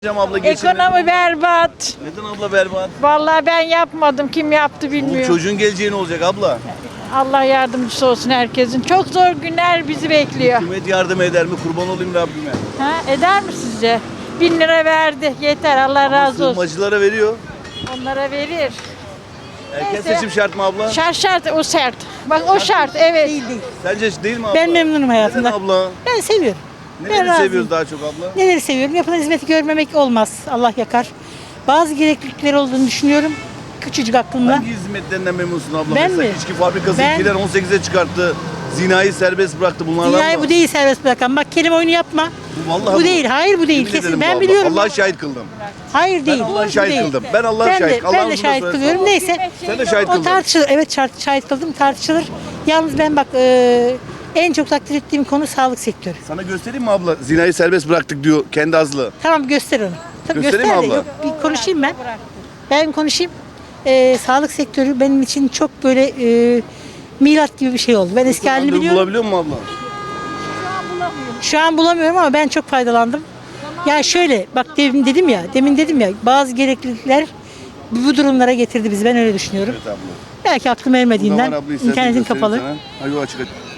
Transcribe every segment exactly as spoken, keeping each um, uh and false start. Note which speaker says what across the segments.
Speaker 1: Hocam abla geçin.
Speaker 2: Ekonomi berbat.
Speaker 1: Neden abla berbat?
Speaker 2: Vallahi ben yapmadım. Kim yaptı
Speaker 1: Bu
Speaker 2: bilmiyorum.
Speaker 1: çocuğun geleceği ne olacak abla?
Speaker 2: Allah yardımcısı olsun herkesin. Çok zor günler bizi bekliyor.
Speaker 1: Hükümet yardım eder mi? Kurban olayım Rabbime.
Speaker 2: Ha, eder mi sizce? Bin lira verdi. Yeter. Allah razı olsun.
Speaker 1: Sığınmacılara veriyor.
Speaker 2: Onlara verir.
Speaker 1: Erken
Speaker 2: Neyse.
Speaker 1: seçim şart mı abla?
Speaker 2: Şart şart o sert. Bak o şart evet.
Speaker 3: Değil değil.
Speaker 1: Sence değil mi abla?
Speaker 3: Ben memnunum hayatımda.
Speaker 1: Neden abla?
Speaker 3: Ben seviyorum. Ben
Speaker 1: Neleri
Speaker 3: razıyım.
Speaker 1: seviyoruz daha çok abla?
Speaker 3: Neleri seviyorum? Yapılan hizmeti görmemek olmaz. Allah yakar. Bazı gereklilikleri olduğunu düşünüyorum. Küçücük aklımla.
Speaker 1: Hangi hizmetlerinden memnunsun abla?
Speaker 3: Ben
Speaker 1: Mesela
Speaker 3: mi?
Speaker 1: içki fabrikası
Speaker 3: Ben-
Speaker 1: iki bin on sekize çıkarttı. Zinayı serbest bıraktı. Bunlardan
Speaker 3: Dünyayı
Speaker 1: mı?
Speaker 3: bu değil serbest bırakan. Bak kelime oyunu yapma.
Speaker 1: Bu vallahi
Speaker 3: bu
Speaker 1: bu.
Speaker 3: değil. Hayır bu değil.
Speaker 1: Yemin ederim
Speaker 3: Kesin.
Speaker 1: bu
Speaker 3: Ben
Speaker 1: abla.
Speaker 3: biliyorum.
Speaker 1: Allah'a şahit kıldım.
Speaker 3: Hayır değil.
Speaker 1: Allah'a
Speaker 3: Bu
Speaker 1: şahit
Speaker 3: değil.
Speaker 1: kıldım. Ben Allah'a
Speaker 3: Ben
Speaker 1: şahit.
Speaker 3: de,
Speaker 1: Allah
Speaker 3: ben de
Speaker 1: bunu da
Speaker 3: şahit
Speaker 1: söylesin.
Speaker 3: kılıyorum. Neyse.
Speaker 1: Sen de şahit
Speaker 3: O
Speaker 1: kıldın.
Speaker 3: tartışılır. Evet şahit, şahit kıldım. Tartışılır. Yalnız ben bak e, en çok takdir ettiğim konu sağlık sektörü.
Speaker 1: Sana göstereyim mi abla? Zinayı serbest bıraktık diyor kendi azlı.
Speaker 3: Tamam göster onu. Tabii
Speaker 1: Göstereyim
Speaker 3: göster
Speaker 1: mi
Speaker 3: de.
Speaker 1: abla?
Speaker 3: Yok, bir konuşayım ben. Ben konuşayım. Ee, sağlık sektörü benim için çok böyle e, milat gibi bir şey oldu. Ben eski halini
Speaker 1: Randevu
Speaker 3: biliyorum.
Speaker 1: bulabiliyor musun abla?
Speaker 3: Şu an bulamıyorum ama ben çok faydalandım. Yani şöyle bak demin dedim ya, demin dedim ya bazı gereklilikler bu durumlara getirdi bizi. Ben öyle düşünüyorum.
Speaker 1: Evet abla.
Speaker 3: Belki aklım
Speaker 1: Bu da
Speaker 3: ermediğinden
Speaker 1: var abla, istersen
Speaker 3: internetin
Speaker 1: göstereyim
Speaker 3: kapalı.
Speaker 1: sana. Hayır, o açık.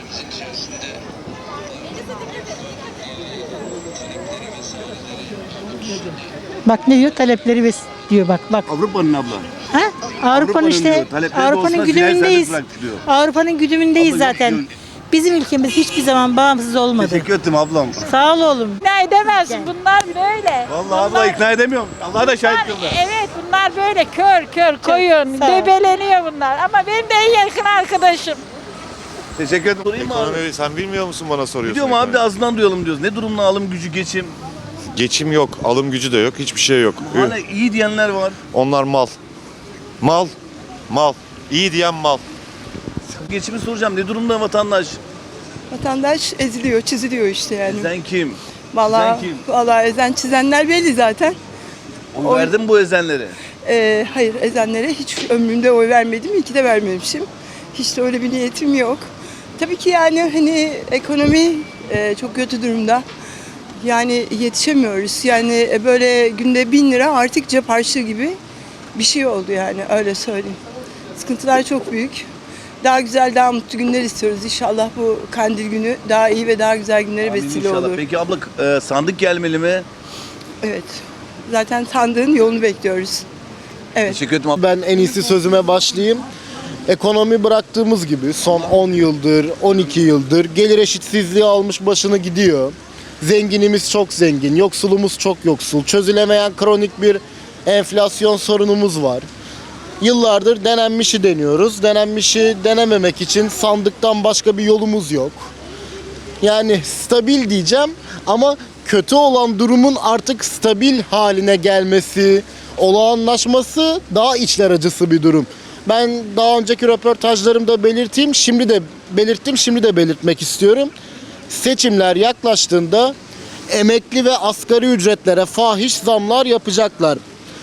Speaker 3: Bak ne diyor? Talepleri bes diyor bak bak.
Speaker 1: Avrupa'nın abla.
Speaker 3: Ha? Avrupa'nın
Speaker 1: Avrupa'nın
Speaker 3: işte
Speaker 1: diyor, talepleri
Speaker 3: Avrupa'nın
Speaker 1: olsa zinayı
Speaker 3: güdümündeyiz.
Speaker 1: serbest bıraktık diyor.
Speaker 3: Avrupa'nın güdümündeyiz
Speaker 1: Abla yok
Speaker 3: zaten.
Speaker 1: diyor.
Speaker 3: Bizim ülkemiz hiçbir zaman bağımsız olmadı.
Speaker 1: Teşekkür ettim ablam.
Speaker 3: Sağ ol oğlum.
Speaker 2: İkna edemezsin. Bunlar böyle.
Speaker 1: Vallahi abla ikna edemiyorum. Allah da şahit kıldı.
Speaker 2: Evet bunlar böyle kör kör koyun.
Speaker 3: sağ ol.
Speaker 2: Debeleniyor bunlar. Ama benim de en yakın arkadaşım.
Speaker 1: Teşekkür ederim. Sorayım mı abi?
Speaker 4: Ekonomi sen bilmiyor musun bana soruyorsun?
Speaker 1: Biliyorum abi de
Speaker 4: ekonomi?
Speaker 1: ağzından duyalım diyoruz. Ne durumda alım gücü, geçim?
Speaker 4: Geçim yok, alım gücü de yok, hiçbir şey yok.
Speaker 1: Hala iyi diyenler var.
Speaker 4: Onlar mal. Mal. Mal. İyi diyen mal.
Speaker 1: Geçimi soracağım. Ne durumda vatandaş?
Speaker 5: Vatandaş eziliyor, çiziliyor işte yani.
Speaker 1: Ezen kim?
Speaker 5: Vallahi,
Speaker 1: Ezen kim?
Speaker 5: vallahi ezen çizenler belli zaten.
Speaker 1: Oy
Speaker 5: Oy-
Speaker 1: verdin mi bu ezenlere?
Speaker 5: Ee, hayır ezenlere hiç ömrümde oy vermedim, iyi ki de vermemişim. Hiç de öyle bir niyetim yok. Tabii ki yani hani ekonomi e, çok kötü durumda. Yani yetişemiyoruz. Yani e, böyle günde bin lira artık cep harçlığı gibi bir şey oldu yani öyle söyleyeyim. Sıkıntılar çok büyük. Daha güzel, daha mutlu günler istiyoruz. İnşallah bu kandil günü daha iyi ve daha güzel günlere
Speaker 1: Amin
Speaker 5: vesile
Speaker 1: inşallah.
Speaker 5: olur.
Speaker 1: Peki abla e, sandık gelmeli mi?
Speaker 5: Evet. Zaten sandığın yolunu bekliyoruz. Evet.
Speaker 1: Teşekkür ederim abla.
Speaker 6: Ben en iyisi sözüme başlayayım. Ekonomi bıraktığımız gibi son on yıldır, on iki yıldır gelir eşitsizliği almış başını gidiyor. Zenginimiz çok zengin, yoksulumuz çok yoksul. Çözülemeyen kronik bir enflasyon sorunumuz var. Yıllardır denenmişi deniyoruz. Denenmişi denememek için sandıktan başka bir yolumuz yok. Yani stabil diyeceğim ama kötü olan durumun artık stabil haline gelmesi, olağanlaşması daha içler acısı bir durum. Ben daha önceki röportajlarımda belirteyim, şimdi de belirttim, şimdi de belirtmek istiyorum. Seçimler yaklaştığında emekli ve asgari ücretlere fahiş zamlar yapacaklar.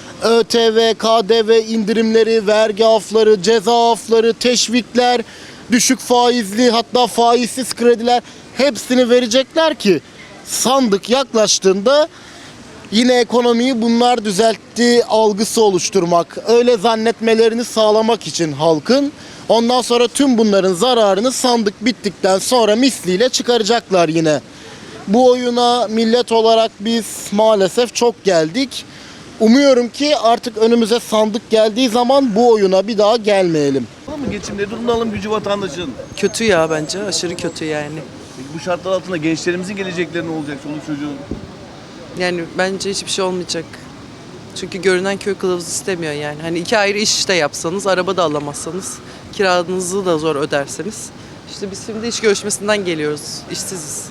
Speaker 6: ÖTV, K D V indirimleri, vergi afları, ceza afları, teşvikler, düşük faizli hatta faizsiz krediler hepsini verecekler ki sandık yaklaştığında yine ekonomiyi bunlar düzeltti algısı oluşturmak, öyle zannetmelerini sağlamak için halkın. Ondan sonra tüm bunların zararını sandık bittikten sonra misliyle çıkaracaklar yine. Bu oyuna millet olarak biz maalesef çok geldik. Umuyorum ki artık önümüze sandık geldiği zaman bu oyuna bir daha gelmeyelim.
Speaker 1: Var mı geçim? Ne durumda alım gücü vatandaşın?
Speaker 7: Kötü ya bence. Aşırı kötü yani.
Speaker 1: Peki bu şartlar altında gençlerimizin gelecekleri ne olacak? Çoluk çocuğun.
Speaker 7: Yani bence hiçbir şey olmayacak. Çünkü görünen köy kılavuz istemiyor yani. Hani iki ayrı iş de yapsanız, araba da alamazsanız, kiranızı da zor öderseniz. İşte biz şimdi iş görüşmesinden geliyoruz. İşsiziz.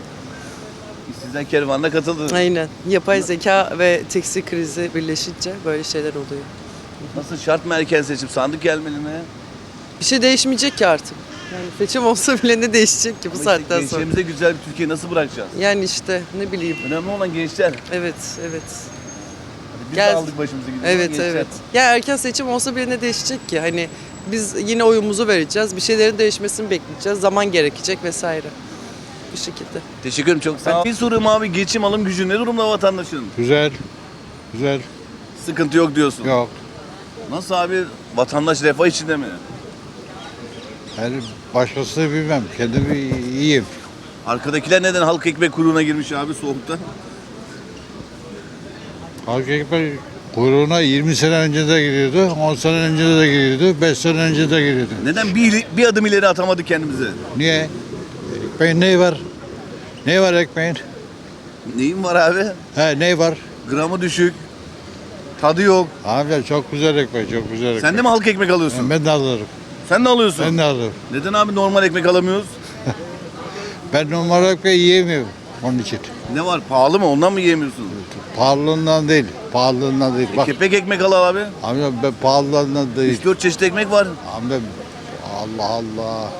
Speaker 1: Sizden kervanına katıldı.
Speaker 7: Aynen. Yapay zeka ve tekstil krizi birleşince böyle şeyler oluyor.
Speaker 1: Nasıl şart mı erken seçim? Sandık gelmeli mi?
Speaker 7: Bir şey değişmeyecek ki artık. Yani seçim olsa bile ne değişecek ki bu
Speaker 1: Ama işte
Speaker 7: saatten sonra.
Speaker 1: gençlerimize güzel bir Türkiye nasıl bırakacağız?
Speaker 7: Yani işte ne bileyim.
Speaker 1: Önemli olan gençler.
Speaker 7: Evet, evet.
Speaker 1: Biz
Speaker 7: Gel-
Speaker 1: de aldık başımızı gidiyoruz.
Speaker 7: Evet
Speaker 1: gençler.
Speaker 7: evet. Ya erken seçim olsa bile ne değişecek ki? Hani biz yine oyumuzu vereceğiz. Bir şeylerin değişmesini bekleyeceğiz. Zaman gerekecek vesaire. Bu şekilde.
Speaker 1: Teşekkür ederim çok sağ ol. Bir sorum abi, geçim alım gücü ne durumda vatandaşın?
Speaker 8: Güzel. Güzel.
Speaker 1: Sıkıntı yok diyorsun.
Speaker 8: Yok.
Speaker 1: Nasıl abi? Vatandaş refah içinde mi?
Speaker 8: Yani başkasını bilmem. Kendimi iyiyim.
Speaker 1: Arkadakiler neden halk ekmek kuyruğuna girmiş abi soğukta?
Speaker 8: Halk ekmek kuyruğuna yirmi sene önce de giriyordu, on sene önce de giriyordu, beş sene önce de giriyordu.
Speaker 1: Neden bir, bir adım ileri atamadık kendimize?
Speaker 8: Niye? Ekmeğin neyi var? Ne var ekmeğin?
Speaker 1: Neyin var abi?
Speaker 8: He ne var?
Speaker 1: Gramı düşük. Tadı yok.
Speaker 8: Amca çok güzel ekmek, çok güzel ekmek.
Speaker 1: Sen de mi halk ekmek alıyorsun?
Speaker 8: Ben de alırım.
Speaker 1: Sen de alıyorsun.
Speaker 8: Ben de alırım.
Speaker 1: Neden abi normal ekmek alamıyoruz?
Speaker 8: Ben normal ekmeği yiyemiyorum onun için.
Speaker 1: Ne var? Pahalı mı? Ondan mı yiyemiyorsun?
Speaker 8: Pahalılığından değil, pahalılığından değil.
Speaker 1: E,
Speaker 8: Bak
Speaker 1: kepek ekmek al abi.
Speaker 8: amca ben pahalılığından değil.
Speaker 1: üç dört çeşit ekmek var.
Speaker 8: Amca Allah Allah.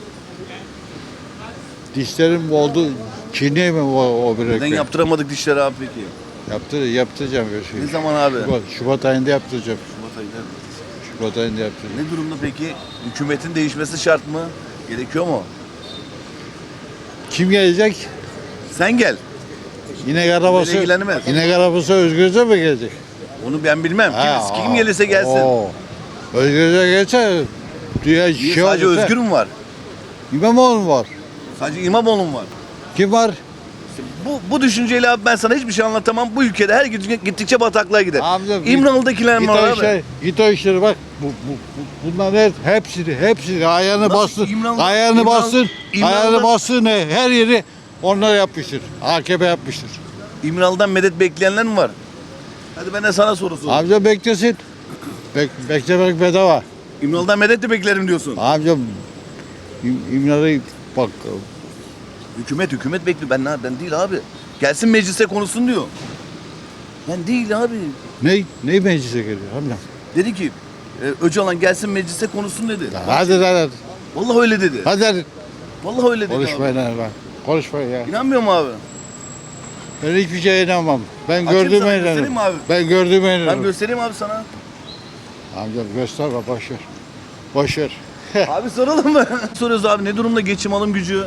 Speaker 8: Dişlerim oldu. Çiğneye mi o, o bir
Speaker 1: Neden
Speaker 8: ekmek?
Speaker 1: yaptıramadık dişleri abi peki?
Speaker 8: Yaptır, yaptıracağım. bir şey.
Speaker 1: Ne zaman abi?
Speaker 8: Şubat, Şubat ayında yaptıracağım.
Speaker 1: Şubat ayında.
Speaker 8: Şubat ayında yaptıracağım.
Speaker 1: Ne durumda peki? Hükümetin değişmesi şart mı? Gerekiyor mu?
Speaker 8: Kim gelecek?
Speaker 1: Sen gel.
Speaker 8: İnek arabası.
Speaker 1: Beni ilgilenmez.
Speaker 8: İnek arabası Özgürce mi gelecek?
Speaker 1: Onu ben bilmem.
Speaker 8: Ha,
Speaker 1: Kim, kim
Speaker 8: aa,
Speaker 1: gelirse gelsin.
Speaker 8: oo. Özgürce gelse dünya
Speaker 1: Niye
Speaker 8: şey
Speaker 1: sadece
Speaker 8: olursa-
Speaker 1: Özgür mü var?
Speaker 8: İmamoğlu mu var?
Speaker 1: Sadece İmamoğlu mu var?
Speaker 8: Kim var?
Speaker 1: Bu, bu düşünceyle abi ben sana hiçbir şey anlatamam. Bu ülkede her gün gittikçe bataklığa gider.
Speaker 8: Amca, git-
Speaker 1: İmralı'dakiler mi
Speaker 8: Git
Speaker 1: var
Speaker 8: o
Speaker 1: abi?
Speaker 8: işleri, git o işleri bak. Bu, bu, bu, bunlar her, hepsini, hepsini ayağını
Speaker 1: Nasıl
Speaker 8: bastır.
Speaker 1: İmralı-
Speaker 8: ayağını
Speaker 1: İmralı-
Speaker 8: bastır.
Speaker 1: İmralı-
Speaker 8: Ayağını bastır ne? Her yeri onlar yapmıştır. A K P yapmıştır.
Speaker 1: İmralı'dan medet bekleyenler mi var? Hadi ben de sana soru sorayım.
Speaker 8: Amca beklesin. Bek, beklemek bedava.
Speaker 1: İmralı'dan medet de beklerim diyorsun.
Speaker 8: Amca İm, İmralı bak.
Speaker 1: Hükümet hükümet bekliyor. Ben ben değil abi. Gelsin meclise konuşsun diyor. Ben değil abi.
Speaker 8: Ne? Ne meclise geliyor amca?
Speaker 1: Dedi ki e, Öcalan gelsin meclise konuşsun dedi.
Speaker 8: Hadi hadi.
Speaker 1: Vallahi öyle dedi.
Speaker 8: Hadi hadi.
Speaker 1: Vallahi öyle dedi abi.
Speaker 8: Konuşmayın lan. Konuşmayın ya.
Speaker 1: İnanmıyor mu abi?
Speaker 8: Ben hiçbir şeye inanmam. Ben
Speaker 1: Açayım
Speaker 8: gördüğüme
Speaker 1: sana, göstereyim
Speaker 8: inanırım.
Speaker 1: mi abi?
Speaker 8: Ben gördüğüme
Speaker 1: Ben
Speaker 8: inanırım.
Speaker 1: göstereyim abi sana.
Speaker 8: Amca gösterme boş ver. Boş ver.
Speaker 1: Abi soralım mı? Soruyoruz abi ne durumda geçim alım gücü?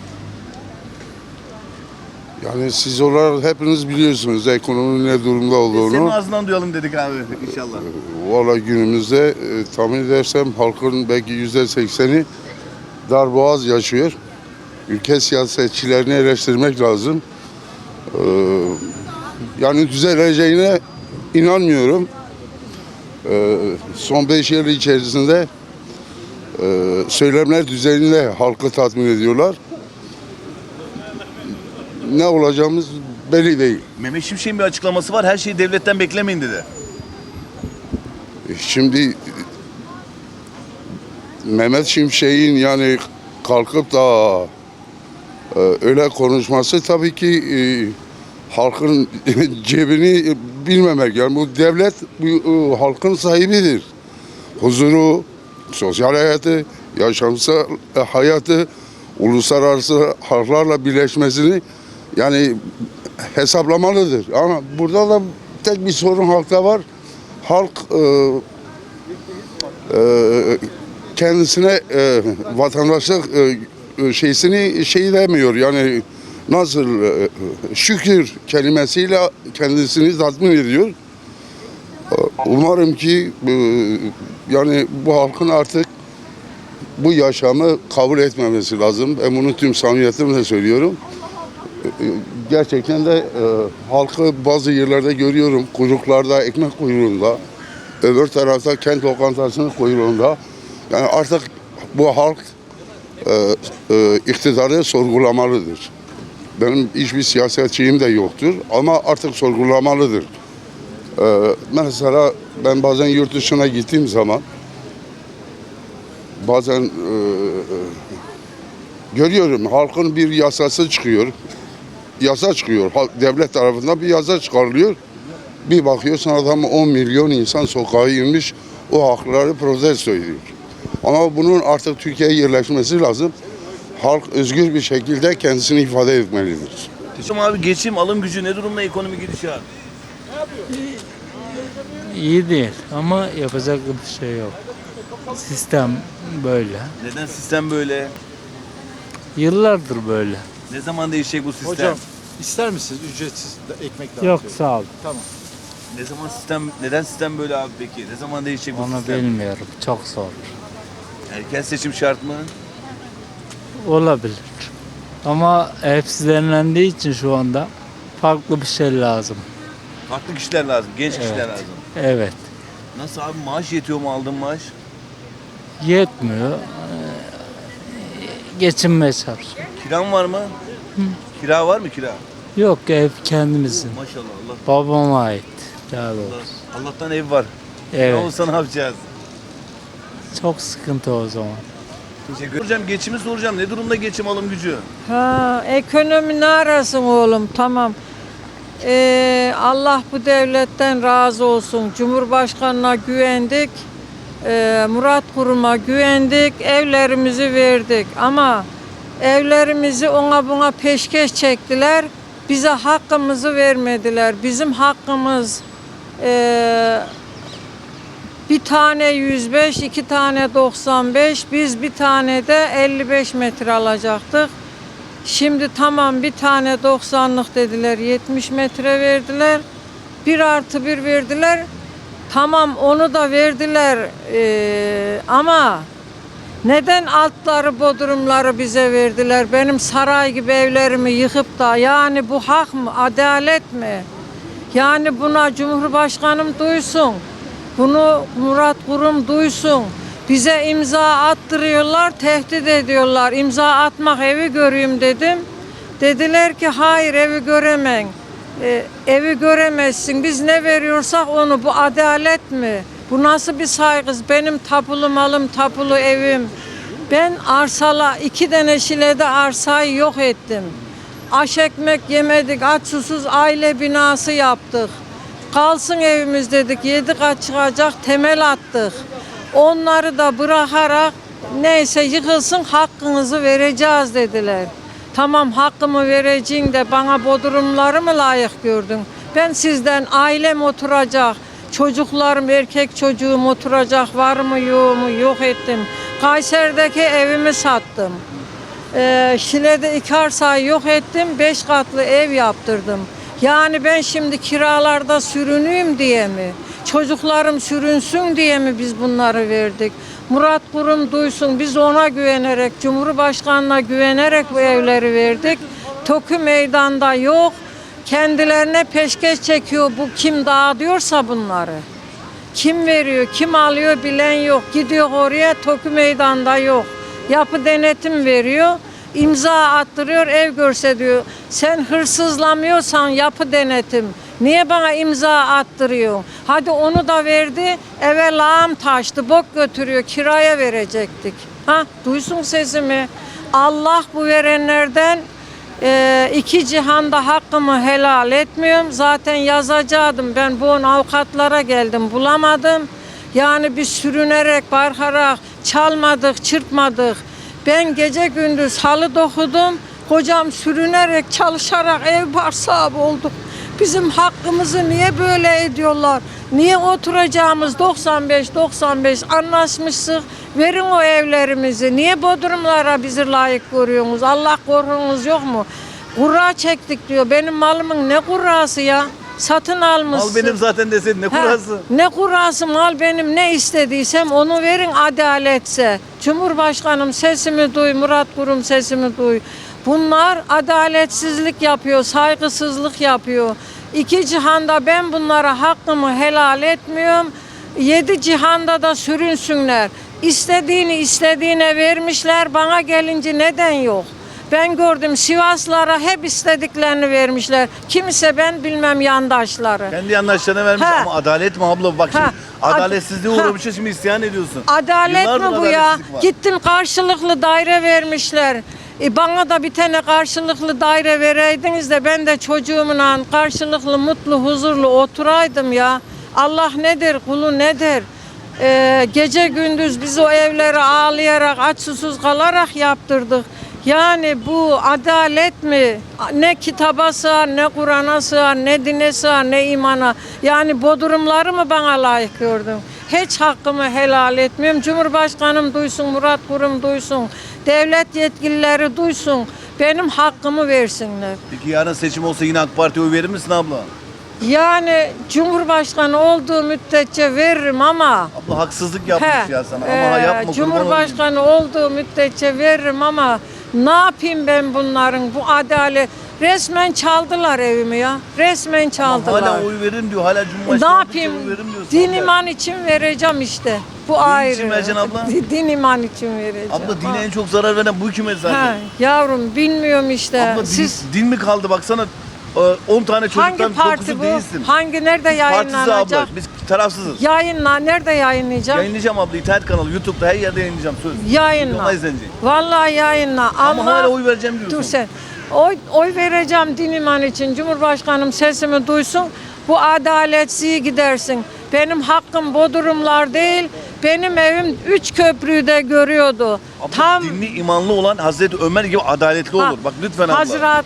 Speaker 9: Yani siz olarak hepiniz biliyorsunuz ekonominin ne durumda
Speaker 1: Senin
Speaker 9: olduğunu.
Speaker 1: ağzından duyalım dedik abi inşallah.
Speaker 9: Valla günümüzde e, tahmin edersem halkın belki yüzde sekseni darboğaz yaşıyor. Ülke siyasetçilerini eleştirmek lazım. Ee, yani düzeleceğine inanmıyorum. Ee, son beş yıl içerisinde e, söylemler düzeyinde halkı tatmin ediyorlar. Ne olacağımız belli değil.
Speaker 1: Mehmet Şimşek'in bir açıklaması var. Her şeyi devletten beklemeyin dedi.
Speaker 9: Şimdi Mehmet Şimşek'in yani kalkıp da e, öyle konuşması tabii ki e, halkın cebini bilmemek. Yani bu devlet bu, e, halkın sahibidir. Huzuru, sosyal hayatı, yaşamsal hayatı, uluslararası halklarla birleşmesini yani hesaplamalıdır. Ama burada da tek bir sorun halkta var. Halk e, e, kendisine e, vatandaşlık e, e, şeysini şey demiyor. Yani nasıl e, şükür kelimesiyle kendisini tatmin ediyor. E, Umarım ki e, yani bu halkın artık bu yaşamı kabul etmemesi lazım. Ben bunu tüm samimiyetimle söylüyorum. Gerçekten de e, halkı bazı yerlerde görüyorum. Kuyruklarda, ekmek kuyruğunda. Öbür tarafta kent lokantasının kuyruğunda. Yani artık bu halk e, e, iktidarı sorgulamalıdır. Benim hiçbir siyasetçiyim de yoktur ama artık sorgulamalıdır. E, mesela ben bazen yurt dışına gittiğim zaman bazen e, görüyorum halkın bir yasası çıkıyor. Yasa çıkıyor. Devlet tarafından bir yasa çıkarılıyor. Bir bakıyorsun adam on milyon insan sokağa inmiş o hakları protesto ediyor. Ama bunun artık Türkiye'ye yerleşmesi lazım. Halk özgür bir şekilde kendisini ifade etmelidir.
Speaker 1: Şimdi abi geçim alım gücü ne durumda ekonomi gidişat?
Speaker 10: İyi değil ama yapacak bir şey yok. Sistem böyle.
Speaker 1: Neden sistem böyle?
Speaker 10: Yıllardır böyle.
Speaker 1: Ne zaman değişecek bu sistem?
Speaker 11: Hocam ister misiniz ücretsiz de ekmek
Speaker 10: Yok
Speaker 11: dağıtıyor?
Speaker 10: sağ ol.
Speaker 11: Tamam.
Speaker 1: Ne zaman sistem, neden sistem böyle abi peki? Ne zaman değişecek bu
Speaker 10: Onu
Speaker 1: sistem?
Speaker 10: bilmiyorum. Çok zor.
Speaker 1: Erken seçim şart mı?
Speaker 10: Olabilir. Ama hepsi denilendiği için şu anda farklı bir şey lazım.
Speaker 1: Farklı kişiler lazım, genç kişiler
Speaker 10: Evet.
Speaker 1: lazım.
Speaker 10: Evet.
Speaker 1: Nasıl abi, maaş yetiyor mu, aldığın maaş?
Speaker 10: Yetmiyor. Ee, Geçinmeye çalışıyor.
Speaker 1: Kiran var mı? Kira var mı kira?
Speaker 10: Yok, ev kendimizin.
Speaker 1: Maşallah Allah.
Speaker 10: Babama ait. Daha doğrusu.
Speaker 1: Allah- Allah'tan ev var. Ne
Speaker 10: Evet.
Speaker 1: olsa ne yapacağız?
Speaker 10: Çok sıkıntı o zaman.
Speaker 1: Teşekkür Soracağım, geçimi soracağım. Ne durumda geçim alım gücü?
Speaker 2: Ha, ekonomi ne arasın oğlum, tamam. Ee, Allah bu devletten razı olsun. Cumhurbaşkanına güvendik. Ee, Murat Kurum'a güvendik. Evlerimizi verdik. Ama evlerimizi ona buna peşkeş çektiler. Bize hakkımızı vermediler. Bizim hakkımız ee, bir tane yüz beş, iki tane doksan beş, biz bir tane de elli beş metre alacaktık. Şimdi tamam, bir tane doksanlık dediler, yetmiş metre verdiler. Bir artı bir verdiler. Tamam, onu da verdiler. Ee, ama neden altları, bodrumları bize verdiler? Benim saray gibi evlerimi yıkıp da, yani bu hak mı, adalet mi? Yani buna Cumhurbaşkanım duysun. Bunu Murat Kurum duysun. Bize imza attırıyorlar, tehdit ediyorlar. İmza atmak, evi göreyim dedim. Dediler ki hayır, evi göremen. Ee, evi göremezsin. Biz ne veriyorsak onu. Bu adalet mi? Bu nasıl bir saygı? Benim tapulu malım, tapulu evim. Ben arsala, iki tane Şile'de arsayı yok ettim. Aş ekmek yemedik, aç susuz aile binası yaptık. Kalsın evimiz dedik, yedi kat çıkacak temel attık. Onları da bırakarak neyse yıkılsın, hakkınızı vereceğiz dediler. Tamam, hakkımı vereceğin de bana bodrumları mı layık gördün? Ben sizden ailem oturacak, çocuklarım, erkek çocuğum oturacak, var mı yok mu, yok ettim. Kayseri'deki evimi sattım. Ee, Şile'de iki arsayı yok ettim, beş katlı ev yaptırdım. Yani ben şimdi kiralarda sürüneyim diye mi? Çocuklarım sürünsün diye mi biz bunları verdik? Murat Kurum duysun, biz ona güvenerek, Cumhurbaşkanı'na güvenerek bu evleri verdik. TOKİ meydanda yok. Kendilerine peşkeş çekiyor, bu kim dağıtıyorsa bunları. Kim veriyor, kim alıyor bilen yok. Gidiyor oraya, TOKİ meydanda yok. Yapı denetim veriyor. İmza attırıyor, ev görse diyor. Sen hırsızlamıyorsan yapı denetim, niye bana imza attırıyor? Hadi onu da verdi, eve lağım taştı, bok götürüyor, kiraya verecektik. Ha, duysun sesimi. Allah bu verenlerden e, iki cihanda hakkımı helal etmiyorum. Zaten yazacaktım, ben bu avukatlara geldim, bulamadım. Yani biz sürünerek, barkarak çalmadık, çırpmadık. Ben gece gündüz halı dokudum. Kocam sürünerek, çalışarak ev bar sahibi olduk. Bizim hakkımızı niye böyle ediyorlar? Niye oturacağımız doksan beş doksan beş anlaşmıştık. Verin o evlerimizi. Niye bodrumlara bizi layık görüyorsunuz? Allah korkunuz yok mu? Kura çektik diyor. Benim malımın ne kurası ya? Satın almışsın.
Speaker 1: Al benim zaten deseydin, ne
Speaker 2: Ha,
Speaker 1: kurası?
Speaker 2: ne kurası, mal benim, ne istediysem onu verin adaletse. Cumhurbaşkanım sesimi duy, Murat Kurum sesimi duy. Bunlar adaletsizlik yapıyor, saygısızlık yapıyor. İki cihanda ben bunlara hakkımı helal etmiyorum. Yedi cihanda da sürünsünler. İstediğini istediğine vermişler, bana gelince neden yok? Ben gördüm, Sivaslara hep istediklerini vermişler. Kimse ben bilmem yandaşları.
Speaker 1: Kendi yandaşlarına vermiş
Speaker 2: Ha.
Speaker 1: ama adalet mi abla? Bak şimdi
Speaker 2: Ha.
Speaker 1: adaletsizliğe
Speaker 2: Ha.
Speaker 1: uğramışız, şimdi isyan ediyorsun.
Speaker 2: Adalet
Speaker 1: Yıllardır
Speaker 2: mi bu ya?
Speaker 1: adaletsizlik var.
Speaker 2: Gittim, karşılıklı daire vermişler. E bana da bir tane karşılıklı daire vereydiniz de ben de çocuğumla karşılıklı mutlu huzurlu oturaydım ya. Allah nedir, kulu nedir? Ee, gece gündüz biz o evleri ağlayarak, aç susuz kalarak yaptırdık. Yani bu adalet mi? Ne kitaba sığar, ne Kur'an'a sığar, ne dine sığar, ne imana. Yani bodrumları mı bana layık gördün? Hiç hakkımı helal etmiyorum. Cumhurbaşkanım duysun, Murat Kurum duysun. Devlet yetkilileri duysun. Benim hakkımı versinler.
Speaker 1: Peki yarın seçim olsa yine AK Parti'ye oy verir misin abla?
Speaker 2: Yani Cumhurbaşkanı olduğu müddetçe veririm ama
Speaker 1: Abla haksızlık yapmış
Speaker 2: he,
Speaker 1: ya sana.
Speaker 2: e,
Speaker 1: Ama yapma, kurban olayım.
Speaker 2: Cumhurbaşkanı olduğu müddetçe veririm ama ne yapayım ben bunların bu adalet resmen çaldılar evimi ya. Resmen
Speaker 1: Ama
Speaker 2: çaldılar.
Speaker 1: hala oy veririm diyor. Hala
Speaker 2: Ne
Speaker 1: Cumhurbaşkanı
Speaker 2: yapayım?
Speaker 1: oldukça oy veririm diyorsun.
Speaker 2: Din
Speaker 1: abla.
Speaker 2: iman için vereceğim işte. Bu
Speaker 1: Din
Speaker 2: ayrı.
Speaker 1: için vereceksin abla?
Speaker 2: Din iman için vereceğim.
Speaker 1: Abla dine
Speaker 2: Ha.
Speaker 1: en çok zarar veren bu hükümet zaten.
Speaker 2: Ha, yavrum bilmiyorum işte.
Speaker 1: Abla din,
Speaker 2: Siz
Speaker 1: din mi kaldı baksana on tane çocuktan
Speaker 2: hangi parti
Speaker 1: dokuzu
Speaker 2: bu?
Speaker 1: değilsin.
Speaker 2: Hangi nerede
Speaker 1: Biz partisiz
Speaker 2: yayınlanacak?
Speaker 1: abla. Biz tarafsızız.
Speaker 2: Yayınla nerede yayınlayacağım?
Speaker 1: Yayınlayacağım abla internet kanalı YouTube'da her yerde yayınlayacağım söz.
Speaker 2: Yayınla.
Speaker 1: Milyonlar izlenecek.
Speaker 2: Vallahi yayınla.
Speaker 1: Ama
Speaker 2: Allah-
Speaker 1: hala oy vereceğim diyorsun.
Speaker 2: Dur sen. Oy, oy vereceğim din iman için. Cumhurbaşkanım sesimi duysun. Bu adaletsizliği gidersin. Benim hakkım Bodrumlar değil. Benim evim üç köprüyü de görüyordu.
Speaker 1: Abla
Speaker 2: Tam
Speaker 1: dinli imanlı olan Hazreti Ömer gibi adaletli
Speaker 2: Ha,
Speaker 1: olur. Bak lütfen abla.
Speaker 2: Hazret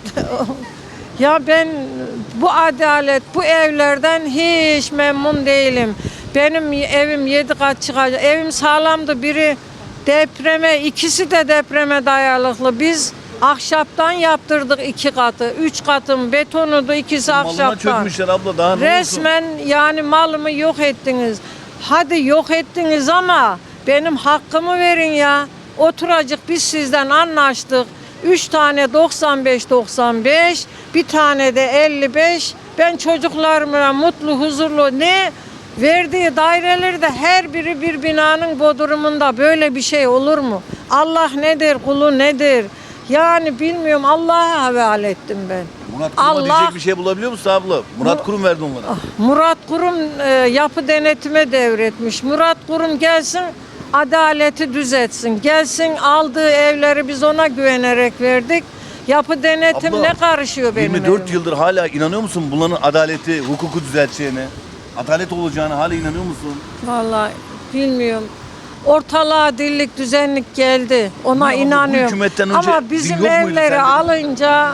Speaker 2: ya ben bu adalet bu evlerden hiç memnun değilim. Benim evim yedi kat çıkacak. Evim sağlamdı. Biri depreme, ikisi de depreme dayalıklı. Biz ahşaptan yaptırdık iki katı. Üç katın betonudu, ikisi
Speaker 1: Malına
Speaker 2: ahşaptan.
Speaker 1: çökmüşler abla daha ne olsun?
Speaker 2: Resmen yani malımı yok ettiniz. Hadi yok ettiniz ama benim hakkımı verin ya. Oturacak biz sizden anlaştık. Üç tane doksan beş doksan beş, bir tane de elli beş. Ben çocuklarıma mutlu, huzurlu ne verdiği daireleri de her biri bir binanın bodrumunda böyle bir şey olur mu? Allah nedir, kulu nedir? Yani bilmiyorum Allah'a havale ettim ben.
Speaker 1: Murat Kurum'a
Speaker 2: Allah-
Speaker 1: diyecek bir şey bulabiliyor musun abla? Murat Kurum verdi onlara.
Speaker 2: Murat Kurum e, yapı denetime devretmiş. Murat Kurum gelsin adaleti düzeltsin. Gelsin aldığı evleri biz ona güvenerek verdik. Yapı denetim
Speaker 1: Abla,
Speaker 2: ne karışıyor benim
Speaker 1: yirmi dört
Speaker 2: evime?
Speaker 1: yıldır hala inanıyor musun bunların adaleti, hukuku düzelteceğine? Adalet olacağına hala inanıyor musun?
Speaker 2: Vallahi bilmiyorum. Ortalığa dillik düzenlik geldi. Ona
Speaker 1: Ama bu
Speaker 2: inanıyorum.
Speaker 1: hükümetten önce
Speaker 2: Ama
Speaker 1: din
Speaker 2: bizim
Speaker 1: yok muydu
Speaker 2: evleri
Speaker 1: sende?
Speaker 2: alınca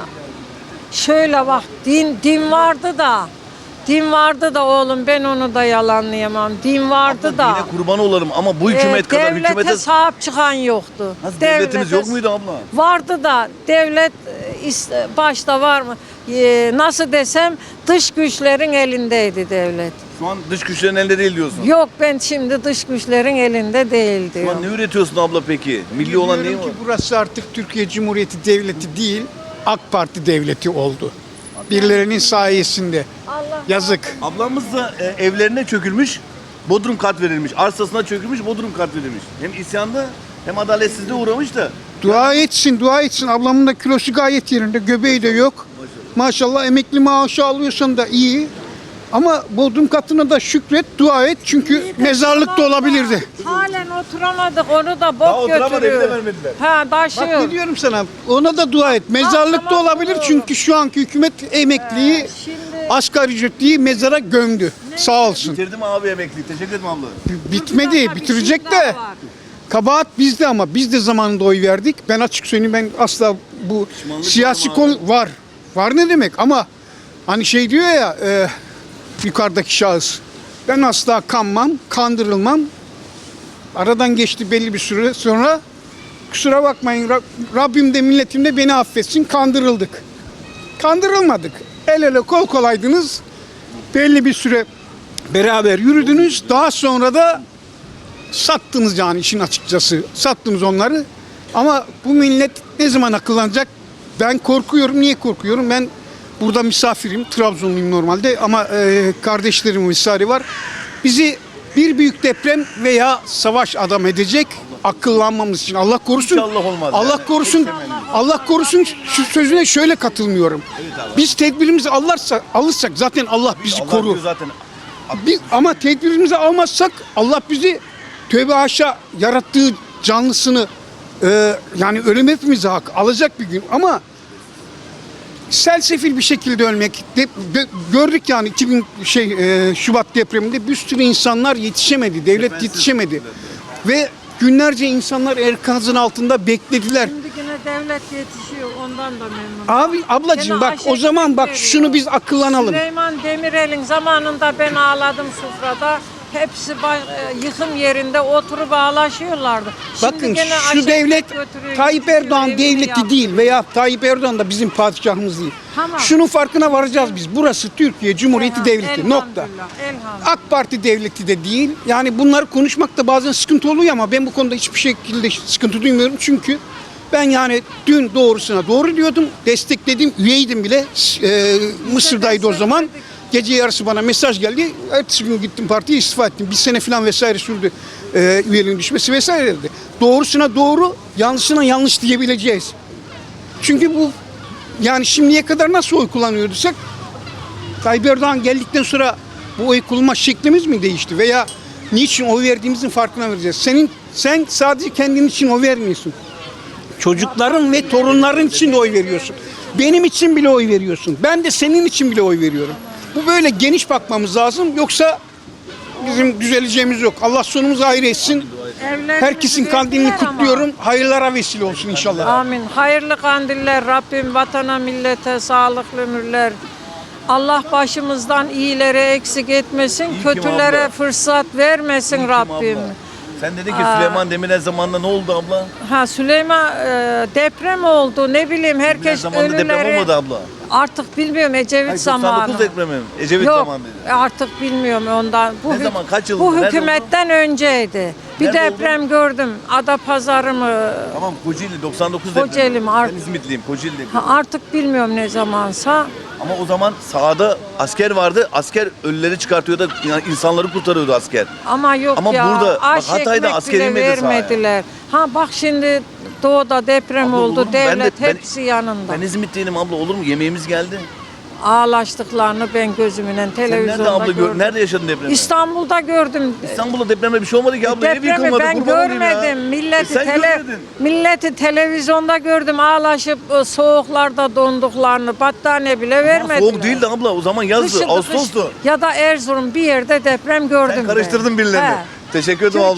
Speaker 2: şöyle bak din din vardı da din vardı da oğlum ben onu da yalanlayamam. Din vardı
Speaker 1: Abla,
Speaker 2: da.
Speaker 1: dine kurban olarım ama bu hükümet
Speaker 2: e,
Speaker 1: kadar
Speaker 2: devlete
Speaker 1: hükümete...
Speaker 2: sahip çıkan yoktu.
Speaker 1: Nasıl devletimiz
Speaker 2: Devlete-
Speaker 1: yok muydu abla?
Speaker 2: Vardı da devlet e, is- başta var mı? E, nasıl desem dış güçlerin elindeydi devlet.
Speaker 1: Şu an dış güçlerin elinde değil diyorsun.
Speaker 2: Yok ben şimdi dış güçlerin elinde değil
Speaker 1: Şu an
Speaker 2: diyorum.
Speaker 1: ne üretiyorsun abla peki? Milli olan neyi
Speaker 11: Diyorum
Speaker 1: var?
Speaker 11: ki burası artık Türkiye Cumhuriyeti Devleti değil, AK Parti Devleti oldu. Birilerinin sayesinde.
Speaker 2: Allah
Speaker 11: Yazık.
Speaker 1: Ablamız da e, evlerine çökülmüş, bodrum kat verilmiş. Arsasına çökülmüş, bodrum kat verilmiş. Hem isyanda hem adaletsizliğe uğramış da.
Speaker 11: Dua etsin, dua etsin. Ablamın da kilosu gayet yerinde, göbeği de yok. Maşallah emekli maaşı alıyorsan da iyi. Ama bodrum katına da şükret, dua et. Çünkü mezarlık da olabilirdi.
Speaker 2: Halen oturamadık onu da
Speaker 1: Daha
Speaker 2: bok
Speaker 1: oturamadı, evi de
Speaker 2: götürüyor.
Speaker 1: vermediler.
Speaker 2: Ha
Speaker 11: Bak
Speaker 2: taşıyor.
Speaker 11: ne diyorum sana, ona da dua et. Mezarlık da
Speaker 2: tamam,
Speaker 11: olabilir
Speaker 2: doğru.
Speaker 11: çünkü şu anki hükümet emekliyi,
Speaker 2: şimdi-
Speaker 11: asgari ücretliyi mezara gömdü. Sağ olsun.
Speaker 1: Bitirdim abi emekliyi. Teşekkür ederim abla.
Speaker 11: Bitmedi,
Speaker 2: Bir
Speaker 11: bitirecek
Speaker 2: şey daha
Speaker 11: de.
Speaker 2: var.
Speaker 11: Kabahat bizde ama biz de zamanında oy verdik. Ben açık söyleyeyim, ben asla bu
Speaker 1: Pişmanlık
Speaker 11: siyasi
Speaker 1: var mı
Speaker 11: konu var. Var ne demek ama hani şey diyor ya e, yukarıdaki şahıs. Ben asla kanmam, kandırılmam. Aradan geçti belli bir süre sonra kusura bakmayın Rab- Rabbim de milletim de beni affetsin, kandırıldık. Kandırılmadık. El ele kol kolaydınız. Belli bir süre beraber yürüdünüz. Daha sonra da sattınız yani işin açıkçası. Sattınız onları. Ama bu millet ne zaman akıllanacak? Ben korkuyorum. Niye korkuyorum? Ben burada misafirim. Trabzonluyum normalde ama e, kardeşlerim vesaire var. Bizi bir büyük deprem veya savaş adam edecek. Akıllanmamız için Allah korusun.
Speaker 1: İnşallah olmaz
Speaker 11: Allah
Speaker 1: yani.
Speaker 11: korusun. Allah korusun şu sözüne şöyle katılmıyorum. Biz tedbirimizi alırsak, alırsak zaten Allah bizi
Speaker 1: Allah
Speaker 11: korur.
Speaker 1: diyor zaten.
Speaker 11: Biz, ama tedbirimizi almazsak Allah bizi tövbe haşa yarattığı canlısını e, yani ölüm hepimize hak alacak bir gün ama selsefil bir şekilde ölmek de, de- gördük yani iki bin şey e, Şubat depreminde bir sürü insanlar yetişemedi, devlet
Speaker 1: Defensiz.
Speaker 11: yetişemedi ve günlerce insanlar enkazın altında beklediler.
Speaker 2: Şimdi yine devlet yetişiyor ondan da memnunum.
Speaker 11: Abi ablacığım
Speaker 2: Gene
Speaker 11: bak o
Speaker 2: aşırı
Speaker 11: zaman bak
Speaker 2: veriyor.
Speaker 11: şunu biz akıllanalım.
Speaker 2: Süleyman Demirel'in zamanında ben ağladım sofrada. hepsi ba- e, yıkım yerinde oturup ağlaşıyorlardı. Şimdi
Speaker 11: Bakın
Speaker 2: gene
Speaker 11: şu
Speaker 2: aşağı
Speaker 11: devlet
Speaker 2: götürüyor,
Speaker 11: Tayyip
Speaker 2: gidiyor,
Speaker 11: Erdoğan
Speaker 2: evini
Speaker 11: devleti
Speaker 2: yapıyor.
Speaker 11: değil veya Tayyip Erdoğan da bizim padişahımız değil.
Speaker 2: Tamam.
Speaker 11: Şunun farkına varacağız biz. Burası Türkiye Cumhuriyeti
Speaker 2: Elham-
Speaker 11: Devleti. Nokta.
Speaker 2: elhamdülillah, elhamdülillah.
Speaker 11: AK Parti devleti de değil. Yani bunları konuşmakta bazen sıkıntı oluyor ama ben bu konuda hiçbir şekilde sıkıntı duymuyorum. Çünkü ben yani dün doğrusuna doğru diyordum. Destekledim. Üyeydim bile. Ee, Mısır'daydı o zaman. Gece yarısı bana mesaj geldi. Ertesi gün gittim partiye istifa ettim. Bir sene falan vesaire sürdü e, üyeliğin düşmesi vesaire dedi. Doğrusuna doğru, yanlışına yanlış diyebileceğiz. Çünkü bu yani şimdiye kadar nasıl oy kullanıyorduk? Tayyip Erdoğan geldikten sonra bu oy kullanma şeklimiz mi değişti? Veya niçin oy verdiğimizin farkına vereceğiz. Senin Sen sadece kendin için oy vermiyorsun. Çocukların ve torunların için de oy veriyorsun. Benim için bile oy veriyorsun. Ben de senin için bile oy veriyorum. Bu böyle geniş bakmamız lazım. Yoksa bizim düzeleceğimiz yok. Allah sonumuzu hayır etsin.
Speaker 2: Evlerimizi
Speaker 11: Herkesin kandilini
Speaker 2: verdiler ama.
Speaker 11: kutluyorum. Hayırlara vesile olsun inşallah.
Speaker 2: Amin. Hayırlı kandiller Rabbim vatana millete sağlıklı ömürler. Allah başımızdan iyileri eksik etmesin,
Speaker 1: İyi ki
Speaker 2: kötülere
Speaker 1: abla.
Speaker 2: fırsat vermesin
Speaker 1: İyi ki
Speaker 2: Rabbim.
Speaker 1: abla. Sen dedin ki Süleyman Demirel zamanında ne oldu abla?
Speaker 2: Ha Süleyman e, deprem oldu ne bileyim
Speaker 1: Demirel
Speaker 2: herkes
Speaker 1: zamanında deprem
Speaker 2: ölüleri
Speaker 1: olmadı abla.
Speaker 2: artık bilmiyorum Ecevit
Speaker 1: Hayır,
Speaker 2: zamanı.
Speaker 1: doksan dokuz depremi mi? Ecevit
Speaker 2: Yok
Speaker 1: zamanı dedi.
Speaker 2: artık bilmiyorum ondan. Bu,
Speaker 1: Ne
Speaker 2: hük-
Speaker 1: zaman, kaç yıl
Speaker 2: Bu
Speaker 1: oldu? Nerede
Speaker 2: hükümetten önceydi. Bir
Speaker 1: Nerede
Speaker 2: deprem gördüm. Adapazarı mı?
Speaker 1: Tamam Kocaeli doksan dokuz
Speaker 2: Kocaeli
Speaker 1: depremi.
Speaker 2: mi? Art-
Speaker 1: Ben İzmitliyim Kocaeli depremi.
Speaker 2: Ha, artık bilmiyorum ne zamansa.
Speaker 1: Ama o zaman sahada asker vardı. Asker ölüleri çıkartıyordu. Yani insanları kurtarıyordu asker.
Speaker 2: Ama yok
Speaker 1: Ama
Speaker 2: ya.
Speaker 1: burada, bak
Speaker 2: aş
Speaker 1: Hatay'da
Speaker 2: ekmek
Speaker 1: asker
Speaker 2: bile
Speaker 1: inmedi sahaya.
Speaker 2: vermediler. Ha bak şimdi doğuda deprem
Speaker 1: Abla olur
Speaker 2: oldu.
Speaker 1: mu? Ben de-
Speaker 2: Devlet
Speaker 1: ben-
Speaker 2: hepsi yanında.
Speaker 1: Ben İzmitliyim abla olur mu? Yemeğimiz geldi.
Speaker 2: Ağlaştıklarını ben gözümle
Speaker 1: Sen
Speaker 2: televizyonda
Speaker 1: nerede abla gör,
Speaker 2: gördüm.
Speaker 1: nerede yaşadın depremi?
Speaker 2: İstanbul'da gördüm.
Speaker 1: İstanbul'da depremde bir şey olmadı ki abla. Ev
Speaker 2: Depremi
Speaker 1: yıkılmadı.
Speaker 2: ben
Speaker 1: kurban olayım ya.
Speaker 2: görmedim. Milleti,
Speaker 1: E sen
Speaker 2: tele,
Speaker 1: görmedin.
Speaker 2: milleti televizyonda gördüm. Ağlaşıp e, soğuklarda donduklarını. Battaniye bile vermediler.
Speaker 1: Soğuk değildi abla. O zaman yazdı.
Speaker 2: Kışın-
Speaker 1: Ağustos'tu.
Speaker 2: kış- Ya da Erzurum bir yerde deprem gördüm.
Speaker 1: Sen
Speaker 2: ben.
Speaker 1: karıştırdın birilerini.
Speaker 2: He.
Speaker 1: Teşekkür ederim abla.